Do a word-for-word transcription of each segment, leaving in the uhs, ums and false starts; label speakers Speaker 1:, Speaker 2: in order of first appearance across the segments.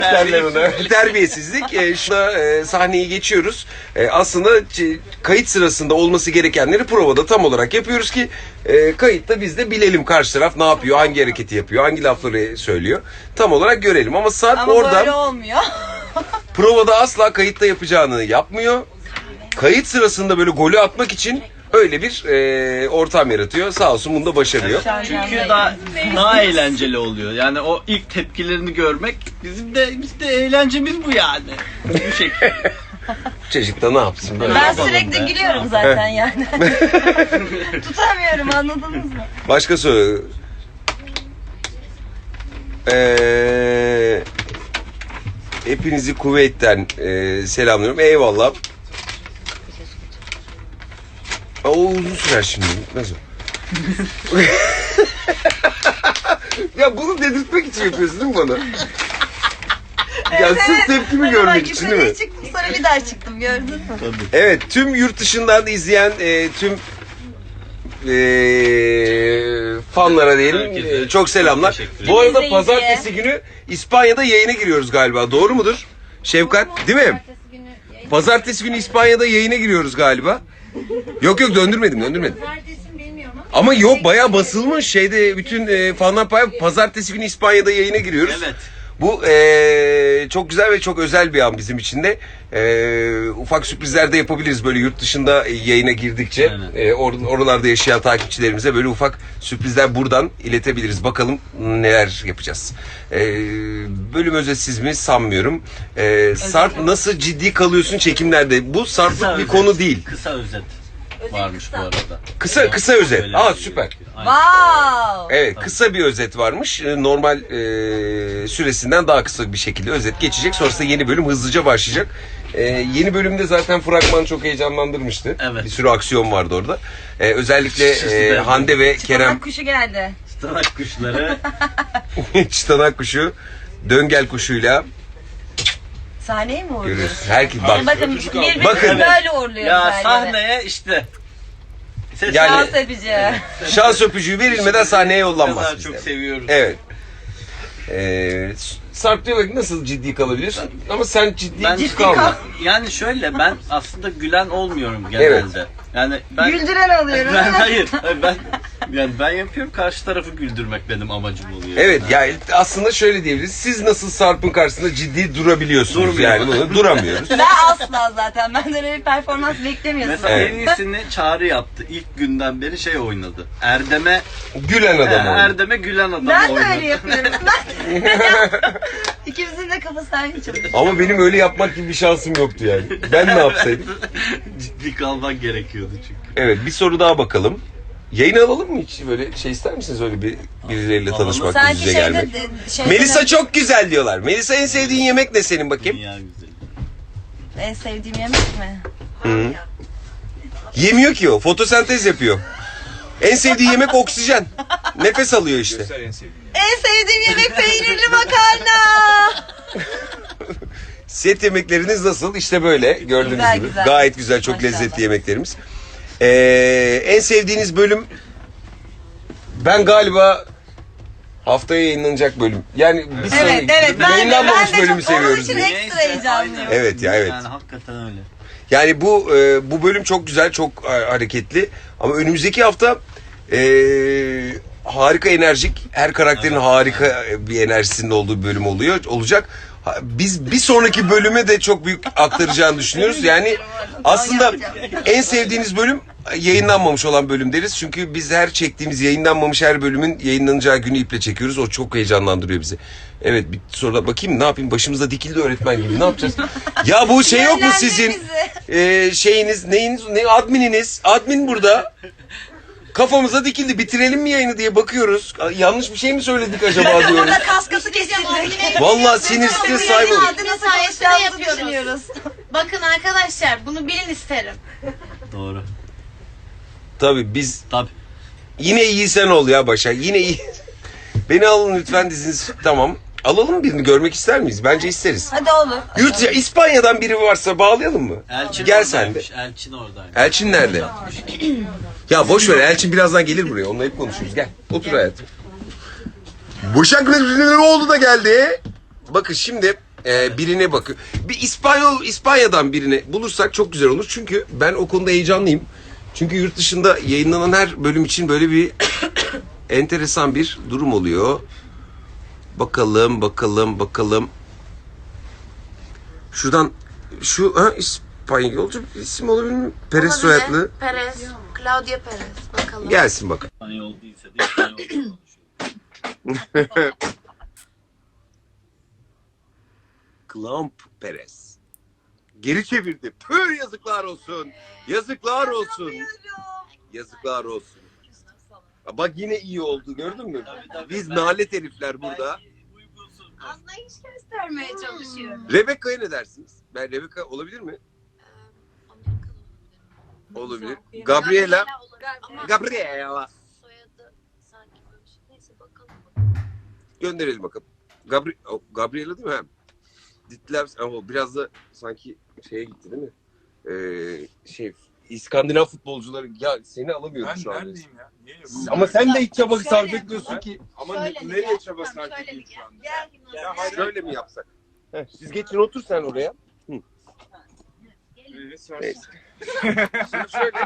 Speaker 1: derler ona. Terbiyesizlik. E, şuna e, sahneyi geçiyoruz. E, aslında c- kayıt sırasında olması gerekenleri provada tam olarak yapıyoruz ki e, kayıtta biz de bilelim karşı taraf ne yapıyor, hangi hareketi yapıyor, hangi lafları söylüyor. Tam olarak görelim. Ama Sarp
Speaker 2: Ama
Speaker 1: orada
Speaker 2: böyle olmuyor.
Speaker 1: provada asla kayıtta yapacağını yapmıyor. Kayıt sırasında böyle golü atmak için öyle bir e, ortam yaratıyor. Sağ olsun bunu da başarıyor.
Speaker 3: Çünkü daha daha eğlenceli oluyor. Yani o ilk tepkilerini görmek bizim de biz de eğlencemiz bu yani. Bu şekilde.
Speaker 1: Çocuk da ne yapsın böyle.
Speaker 2: Ben
Speaker 3: yapalım
Speaker 2: sürekli
Speaker 3: be?
Speaker 2: gülüyorum zaten yani. Tutamıyorum, anladınız mı?
Speaker 1: Başka soru. Ee, hepinizi Kuveyt'ten e, selamlıyorum. Eyvallah. Aa, o uzun sürer şimdi. Bitmez o. Ya bunu dedirtmek için yapıyorsun değil mi bana? Ya sırf tepkimi
Speaker 2: Ben
Speaker 1: görmek
Speaker 2: bak,
Speaker 1: için değil mi?
Speaker 2: yukarıya çıktım, sonra bir daha çıktım, gördün mü?
Speaker 1: Evet, tüm yurt dışından izleyen e, tüm e, fanlara diyelim
Speaker 3: Herkese
Speaker 1: e, çok selamlar.
Speaker 3: teşekkür
Speaker 1: Bu arada
Speaker 2: ederim.
Speaker 1: pazartesi günü İspanya'da yayına giriyoruz galiba. Doğru mudur? Şefkat, değil mi? Pazartesi günü İspanya'da yayına giriyoruz galiba. Yok yok döndürmedim, döndürmedim. Ama yok bayağı basılmış şeyde bütün e, fanlar pay- pazartesi günü İspanya'da yayına giriyoruz.
Speaker 3: Evet.
Speaker 1: Bu e, çok güzel ve çok özel bir an bizim için de. E, ufak sürprizler de yapabiliriz böyle yurt dışında yayına girdikçe. E, or- oralarda yaşayan takipçilerimize böyle ufak sürprizler buradan iletebiliriz. Bakalım neler yapacağız. E, bölüm özetsiz mi sanmıyorum. E, Sarp nasıl ciddi kalıyorsun çekimlerde? Bu Sarp'lık bir
Speaker 3: özet.
Speaker 1: konu değil.
Speaker 3: Kısa özet
Speaker 2: Özet
Speaker 3: varmış
Speaker 2: kısa.
Speaker 3: bu arada.
Speaker 1: Kısa kısa özet.
Speaker 3: Öyle
Speaker 1: Aa
Speaker 3: bir-
Speaker 1: süper.
Speaker 3: Aynen.
Speaker 2: Wow!
Speaker 1: Evet kısa bir özet varmış. Ee, Normal e, süresinden daha kısa bir şekilde özet geçecek. Sonrasında yeni bölüm hızlıca başlayacak. Ee, yeni bölümde zaten fragman çok heyecanlandırmıştı.
Speaker 3: Evet.
Speaker 1: Bir sürü aksiyon vardı orada. Ee, özellikle e, Hande ve Kerem
Speaker 2: Kerem kuşu geldi.
Speaker 3: Stanak kuşları.
Speaker 1: çıtanak kuşu, döngel kuşuyla
Speaker 2: Sahneyi mi uğurluyoruz?
Speaker 1: görüyoruz. Herkes
Speaker 2: Yani
Speaker 1: bak.
Speaker 2: bakın birbirimizi
Speaker 1: Bakın.
Speaker 2: böyle uğurluyoruz
Speaker 3: Ya
Speaker 2: her yere.
Speaker 3: sahneye işte. Ses
Speaker 1: Yani-
Speaker 2: Şans öpücü.
Speaker 1: Şans öpücüğü verilmeden sahneye
Speaker 3: ne
Speaker 1: yollanmaz
Speaker 3: kadar
Speaker 1: bizde.
Speaker 3: çok seviyoruz.
Speaker 1: Evet. Ee, Sarp diyor ki nasıl ciddi kalabiliyorsun? Ama sen ciddi,
Speaker 3: Ben
Speaker 1: ciddi kalma.
Speaker 3: Yani şöyle ben aslında gülen olmuyorum genelde.
Speaker 1: Evet.
Speaker 3: Yani ben
Speaker 2: Güldüren alıyorum.
Speaker 3: ben hayır, hayır ben yani ben yapıyorum karşı tarafı güldürmek benim amacım oluyor.
Speaker 1: Evet yani aslında şöyle diyebiliriz. Siz nasıl Sarp'ın karşısında ciddi durabiliyorsunuz
Speaker 3: Durmuyor.
Speaker 1: yani bunu duramıyoruz.
Speaker 2: Ben asla zaten. Benden öyle bir performans beklemiyorsun.
Speaker 3: Mesela
Speaker 1: Evet.
Speaker 3: en iyisini Çağrı yaptı. İlk günden beri şey oynadı. Erdem'e
Speaker 1: Gülen
Speaker 3: e,
Speaker 1: adam oldu.
Speaker 3: Erdem'e gülen adam
Speaker 2: Ben de
Speaker 3: oynadı.
Speaker 2: öyle yapıyorum. Ben İkimizin de kafası aynı çalışıyor.
Speaker 1: Ama benim öyle yapmak gibi bir şansım yoktu yani. Ben ne yapsaydım?
Speaker 3: Ciddi kalmak gerekiyordu çünkü.
Speaker 1: Evet bir soru daha bakalım. Yayın alalım mı hiç böyle şey ister misiniz öyle bir birileriyle
Speaker 3: Alalım.
Speaker 1: tanışmak,
Speaker 2: Sanki
Speaker 1: yüz yüze
Speaker 2: şeyde,
Speaker 1: gelmek?
Speaker 2: de- şeyde
Speaker 1: Melisa
Speaker 2: de-
Speaker 1: çok güzel diyorlar. Melisa en sevdiğin yemek ne senin bakayım?
Speaker 3: Dünya güzeli.
Speaker 2: En sevdiğim yemek mi?
Speaker 1: Hı. Yemiyor ki o. Fotosentez yapıyor. En sevdiği yemek oksijen. Nefes alıyor işte.
Speaker 2: En sevdiğim yemek peynirli makarna.
Speaker 1: Set yemekleriniz nasıl? İşte böyle gördüğünüz
Speaker 2: Güzel,
Speaker 1: gibi.
Speaker 2: güzel.
Speaker 1: Gayet güzel, çok
Speaker 2: Maşallah.
Speaker 1: lezzetli yemeklerimiz. Ee, en sevdiğiniz bölüm ben galiba haftaya yayınlanacak bölüm. Yani bir sonraki
Speaker 2: Evet evet ben de,
Speaker 1: yayınlanmamış
Speaker 2: ben de
Speaker 1: bölümü
Speaker 2: çok, onun
Speaker 1: seviyoruz.
Speaker 2: için
Speaker 1: biz.
Speaker 2: ekstra
Speaker 3: Neyse,
Speaker 2: heyecanlıyım.
Speaker 3: aynen.
Speaker 1: Evet ya, evet.
Speaker 3: Yani hakikaten öyle.
Speaker 1: Yani bu e, bu bölüm çok güzel, çok e, hareketli. Ama önümüzdeki hafta e, harika enerjik, her karakterin harika bir enerjisinin olduğu bir bölüm oluyor olacak. Ha, Biz bir sonraki bölüme de çok büyük aktaracağını düşünüyoruz. Yani aslında en sevdiğiniz bölüm yayınlanmamış olan bölüm deriz. Çünkü biz her çektiğimiz yayınlanmamış her bölümün yayınlanacağı günü iple çekiyoruz. O çok heyecanlandırıyor bizi. Evet bir sonra bakayım ne yapayım başımıza dikildi öğretmen gibi ne yapacağız? Ya bu şey yok mu sizin e, şeyiniz neyiniz ne admininiz admin burada. Kafamıza dikildi bitirelim mi yayını diye bakıyoruz. Yanlış bir şey mi söyledik acaba diyoruz.
Speaker 2: Burada kaskası kesildi.
Speaker 1: Vallahi sinir stres sahibi olduk.
Speaker 2: Adı nasıl konuşacağımızı düşünüyoruz.
Speaker 4: Bakın arkadaşlar bunu bilin isterim.
Speaker 3: Doğru.
Speaker 1: Tabii biz
Speaker 3: Tabii.
Speaker 1: yine iyi sen ol ya Başak. Yine iyi. Beni alın lütfen diziniz. Tamam. Alalım birini görmek ister miyiz? Bence isteriz.
Speaker 2: Hadi olur.
Speaker 1: Yurt ya İspanya'dan biri varsa bağlayalım mı?
Speaker 3: Elçin
Speaker 1: Gel sen de.
Speaker 3: oradaymış. Elçin oradaymış.
Speaker 1: Elçin nerede? Ya boş ver Elçin birazdan gelir buraya. Onunla hep konuşuruz. Gel. Otur hayatım. Başak oldu da geldi. Bakın şimdi Ee, birine bakıyor. Bir İspanyol, İspanya'dan birini bulursak çok güzel olur. Çünkü ben o konuda heyecanlıyım. Çünkü yurt dışında yayınlanan her bölüm için böyle bir enteresan bir durum oluyor. Bakalım, bakalım, bakalım. Şuradan şu ha, İspanyolca bir isim olabilir mi? Perez soyadlı.
Speaker 4: Perez. Claudia Perez. Bakalım.
Speaker 1: Gelsin bak.
Speaker 3: İspanyol değilse de İspanyolca konuşuyor.
Speaker 1: Clamp Perez. Geri çevirdi. Pür yazıklar olsun. Yazıklar olsun. Yazıklar olsun. Bak yine iyi oldu gördün mü?
Speaker 3: Tabii, tabii.
Speaker 1: Biz nalet herifler burada.
Speaker 3: Uygunsuz.
Speaker 2: Anlayış göstermeye çalışıyorum.
Speaker 1: Rebecca'ya ne dersiniz? Ben Rebecca olabilir mi? Olabilir. Gabriela.
Speaker 4: Ama
Speaker 1: Gabriela.
Speaker 4: soyadı sanki böyle bir şey. Neyse bakalım.
Speaker 1: Gönderelim bakalım. Gabri o, Gabriela değil mi? Ha? Ditlev ama biraz da sanki şeye gitti değil mi? Ee, şey İskandinav futbolcuları ya seni alamıyorum
Speaker 5: Ben
Speaker 1: şu an.
Speaker 5: neredeyim ya? Niye yapıyorsun?
Speaker 1: Ama sen de hiç çaba
Speaker 2: Şöyle
Speaker 1: sarf
Speaker 2: yapalım.
Speaker 1: etmiyorsun ki.
Speaker 5: Ama
Speaker 2: Şöyle
Speaker 5: ne-
Speaker 2: mi
Speaker 5: nereye
Speaker 2: gel?
Speaker 5: çaba
Speaker 2: Tamam,
Speaker 5: sarf
Speaker 2: şöyle
Speaker 5: edeyim
Speaker 2: bir
Speaker 5: şu anda?
Speaker 2: Gel.
Speaker 5: Ya hayır.
Speaker 1: Şöyle mi yapsak? Heh, siz geçin otur sen oraya.
Speaker 5: Evet, sor.
Speaker 1: Neyse. Şimdi şöyle.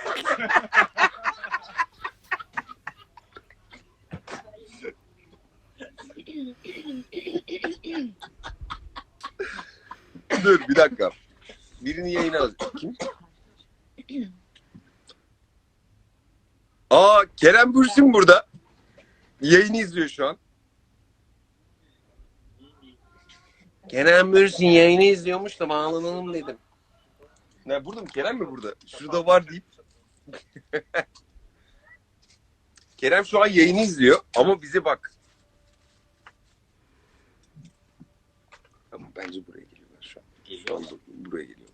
Speaker 1: Dur bir dakika. Birini yayına al. Kim? Aa Kerem Bürsin burada. Yayını izliyor şu an. Kerem Bürsin yayını izliyormuş da bağlanalım dedim. Ne burada mı? Kerem mi burada? Şurada var deyip. Kerem şu an yayını izliyor ama bize bak. Ama bence buraya geliyorlar şu an. Şu an buraya geliyorlar.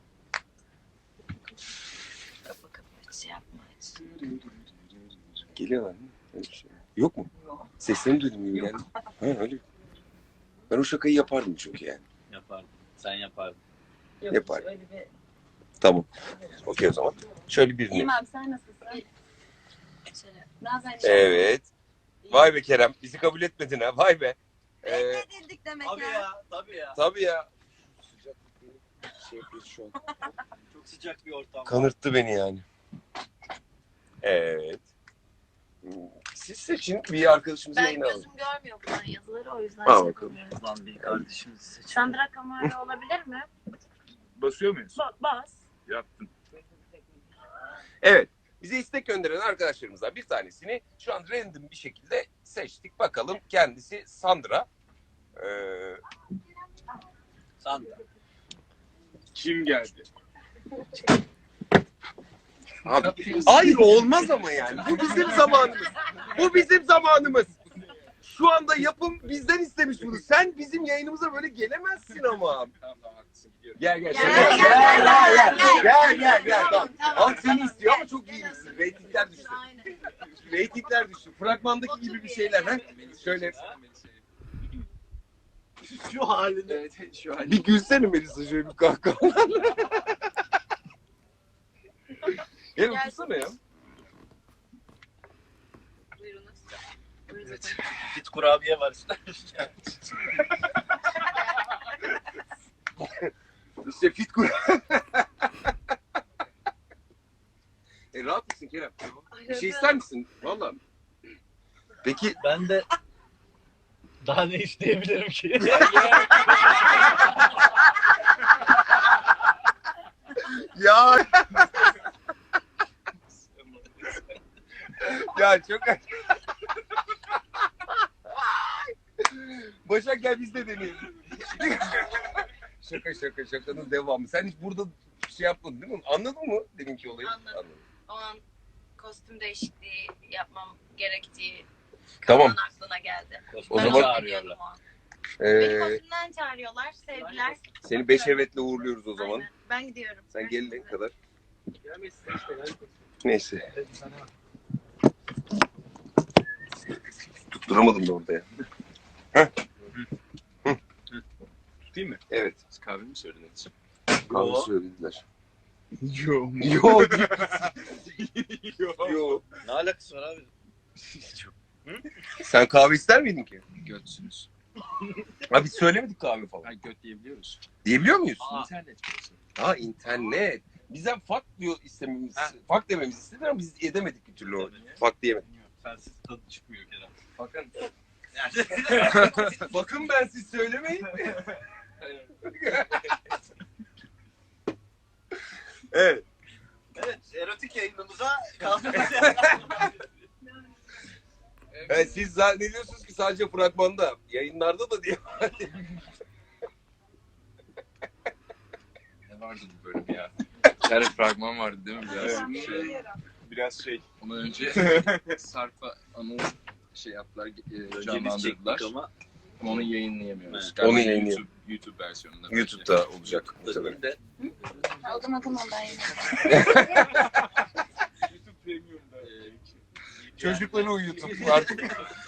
Speaker 2: Bakın hiç şey yapma.
Speaker 1: Geliyorlar mı? Öyle bir şey. Yok mu? Seslerini duydum gibi geldi. Ha öyle. Ben o şakayı yapardım çünkü yani.
Speaker 3: Yapardım. Sen yapardın.
Speaker 1: Yapar.
Speaker 2: Öyle bir...
Speaker 1: Tamam. Okey o zaman. Şöyle birini.
Speaker 2: İyiyim abi sen nasılsın? Şöyle. Bazen
Speaker 1: Evet. Vay be Kerem. Bizi kabul etmedin ha. Vay be. Ee,
Speaker 2: Reddedildik demek
Speaker 3: Tabii
Speaker 2: ya.
Speaker 3: ya. Tabii ya.
Speaker 1: tabii ya. Sıcak bir şey yapıyor şu an.
Speaker 3: Çok sıcak bir ortam.
Speaker 1: Kanırttı beni yani. Evet. Siz seçin bir arkadaşımızı
Speaker 4: Ben
Speaker 1: yayına alın.
Speaker 4: gözüm görmüyor bunların yazıları o yüzden
Speaker 1: Al
Speaker 4: şey
Speaker 1: bakalım.
Speaker 4: yapamıyorum.
Speaker 3: Ulan bir kardeşimizi seçelim.
Speaker 4: Sandra Camargo olabilir mi?
Speaker 5: Basıyor muyuz?
Speaker 2: Ba- bas.
Speaker 5: Yaptım.
Speaker 1: Evet. Bize istek gönderen arkadaşlarımızdan bir tanesini şu an random bir şekilde seçtik. Bakalım kendisi Sandra. Ee,
Speaker 3: Sandra.
Speaker 5: Kim geldi?
Speaker 1: abi, hayır olmaz ama yani. Bu bizim zamanımız. Bu bizim zamanımız. Şu anda yapım bizden istemiş bunu. Sen bizim yayınımıza böyle gelemezsin ama.
Speaker 5: Tamam tamam haklısın gidiyorum.
Speaker 1: Gel gel.
Speaker 4: Gel,
Speaker 1: Gel
Speaker 4: gel,
Speaker 1: gel
Speaker 4: gel,
Speaker 1: gel. Gel gel gel. Tamam.
Speaker 4: Tamam.
Speaker 1: Halk seni istiyor ama çok iyi misin? Reytingler düştü.
Speaker 4: Aynen.
Speaker 1: Reytingler düştü. Fragmandaki gibi bir şeyler. Ha? Şöyle.
Speaker 3: Şu halinde.
Speaker 5: Evet şu an.
Speaker 1: Bir gülsene Melisa şöyle bir kahkahalarla. Gel otursana ya.
Speaker 2: Buyurunuz.
Speaker 3: Evet. Fit kurabiye var işte.
Speaker 1: İşte fit kur. e rahat mısın Kerem? Bir şey ister misin? Valla. Peki
Speaker 3: Ben de daha ne isteyebilirim ki?
Speaker 1: ya. ya çok Başak gel biz de deneyelim. şaka şaka şakanın devamı. Sen hiç burada şey yapmadın değil mi? Anladın mı deminki olayı?
Speaker 4: Anladım. O an kostüm değişikliği yapmam gerektiği
Speaker 1: Tamam.
Speaker 4: an aklına geldi.
Speaker 1: O
Speaker 4: Ben
Speaker 1: zaman-
Speaker 4: onu bilmiyordum o an. Beni
Speaker 1: Ee,
Speaker 4: kostümden çağırıyorlar, sevgiler.
Speaker 1: seni beş evetle uğurluyoruz o zaman.
Speaker 4: Aynen. Ben gidiyorum.
Speaker 1: Sen gelene
Speaker 4: Görüşmek
Speaker 1: kadar. Neyse. Tutturamadım da orada ya.
Speaker 5: Tutayım mı?
Speaker 1: Evet.
Speaker 5: Siz kahve mi söylediniz?
Speaker 1: Kahve söylediler.
Speaker 5: Yok.
Speaker 1: Yok.
Speaker 5: Yok.
Speaker 1: Yok.
Speaker 3: Ne alakası var abi?
Speaker 1: Sen kahve ister miydin ki?
Speaker 5: Götsünüz.
Speaker 1: Abi biz söylemedik kahve falan.
Speaker 5: Ha, göt diyebiliyoruz.
Speaker 1: Diyebiliyor muyuz?
Speaker 3: Aa.
Speaker 5: İnternet burası.
Speaker 1: Ha internet. Bizden fuck diyor istememiz, fuck dememizi istediler ama biz edemedik bir türlü o.
Speaker 3: Evet.
Speaker 1: Fuck diyemedik.
Speaker 3: Sensiz tadı çıkmıyor Kerem.
Speaker 1: Bakın. Bakın ben siz söylemeyin. Evet.
Speaker 3: Evet, erotik yayınımıza kaldığımız
Speaker 1: Evet, siz zannediyorsunuz ki sadece fragmanda, yayınlarda da diye.
Speaker 5: Ne vardı bu bölüm ya? Bir tane fragman vardı değil mi? Biraz şey. Biraz şey.
Speaker 6: Ondan önce Sarp'a Anıl şey yaptılar, e,
Speaker 3: Önce biz
Speaker 6: canlandırdılar.
Speaker 3: çektik ama
Speaker 6: Ama onu yayınlayamıyoruz.
Speaker 3: Evet.
Speaker 6: Galiba
Speaker 1: Onu yayınlayam-
Speaker 6: YouTube, YouTube versiyonunda. bence.
Speaker 1: YouTube'da olacak.
Speaker 3: tabii de
Speaker 2: Aldım aldım ondan yine.
Speaker 5: YouTube Premium'da.
Speaker 1: Çocukları uyutup artık.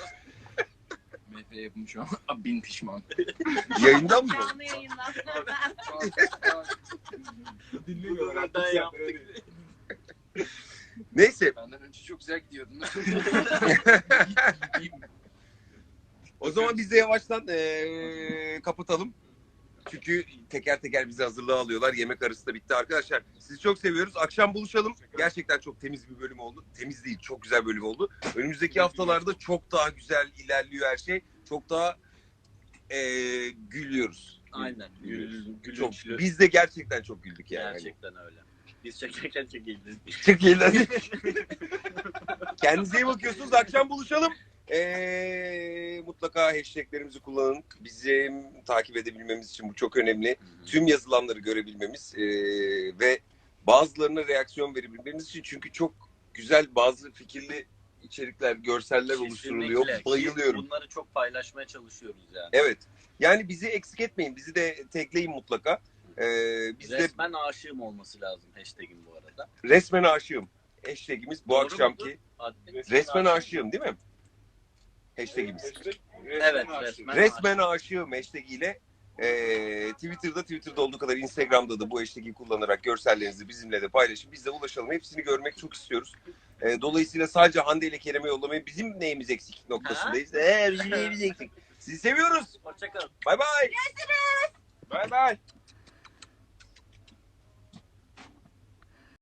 Speaker 6: M F yapım şu an. Bin pişman.
Speaker 1: Yayından mı?
Speaker 2: Canlı yayından.
Speaker 5: Dinlemiyorlar.
Speaker 3: ben yaptık.
Speaker 1: Neyse,
Speaker 6: Benden önce çok güzel gidiyordun.
Speaker 1: o zaman biz de yavaştan eee, kapatalım. Çünkü teker teker bizi hazırlığa alıyorlar. Yemek arası da bitti arkadaşlar. Sizi çok seviyoruz. Akşam buluşalım. Gerçekten çok temiz bir bölüm oldu. Temiz değil, çok güzel bölüm oldu. Önümüzdeki haftalarda çok daha güzel ilerliyor her şey. Çok daha eee, gülüyoruz.
Speaker 3: Aynen. Gül,
Speaker 1: Çok,
Speaker 3: gülünçlü.
Speaker 1: biz de gerçekten çok güldük yani.
Speaker 3: Gerçekten öyle. Biz çekerken çekildik.
Speaker 1: Çok iyi. Kendinize iyi bakıyorsunuz. Akşam buluşalım. Ee, mutlaka hashtaglerimizi kullanın. Bizim takip edebilmemiz için bu çok önemli. Tüm yazılanları görebilmemiz ee, ve bazılarına reaksiyon verebilmemiz için, çünkü çok güzel bazı fikirli içerikler, görseller oluşturuluyor.
Speaker 3: Kesinlikle.
Speaker 1: Bayılıyorum.
Speaker 3: Bunları çok paylaşmaya çalışıyoruz yani.
Speaker 1: Evet. Yani bizi eksik etmeyin. Bizi de tagleyin mutlaka. Ee, biz de
Speaker 3: Resmen aşığım olması lazım hashtag'in bu arada.
Speaker 1: resmen aşığım. Hashtagimiz bu
Speaker 3: Doğru
Speaker 1: akşamki.
Speaker 3: mudur? Admin.
Speaker 1: Resmen aşığım değil mi? Hashtagimiz.
Speaker 3: Evet, resmen.
Speaker 1: Resmen aşığım hashtag ile e, Twitter'da Twitter'da olduğu kadar Instagram'da da bu hashtag'i kullanarak görsellerinizi bizimle de paylaşın. Biz de ulaşalım. Hepsini görmek çok istiyoruz. E, dolayısıyla sadece Hande ile Kerem'e yollamayın. Bizim neyimiz eksik noktasındayız. Eee bizim neyimiz eksik. Sizi seviyoruz.
Speaker 3: Hoşçakalın.
Speaker 1: Bay bay.
Speaker 5: Bay bay.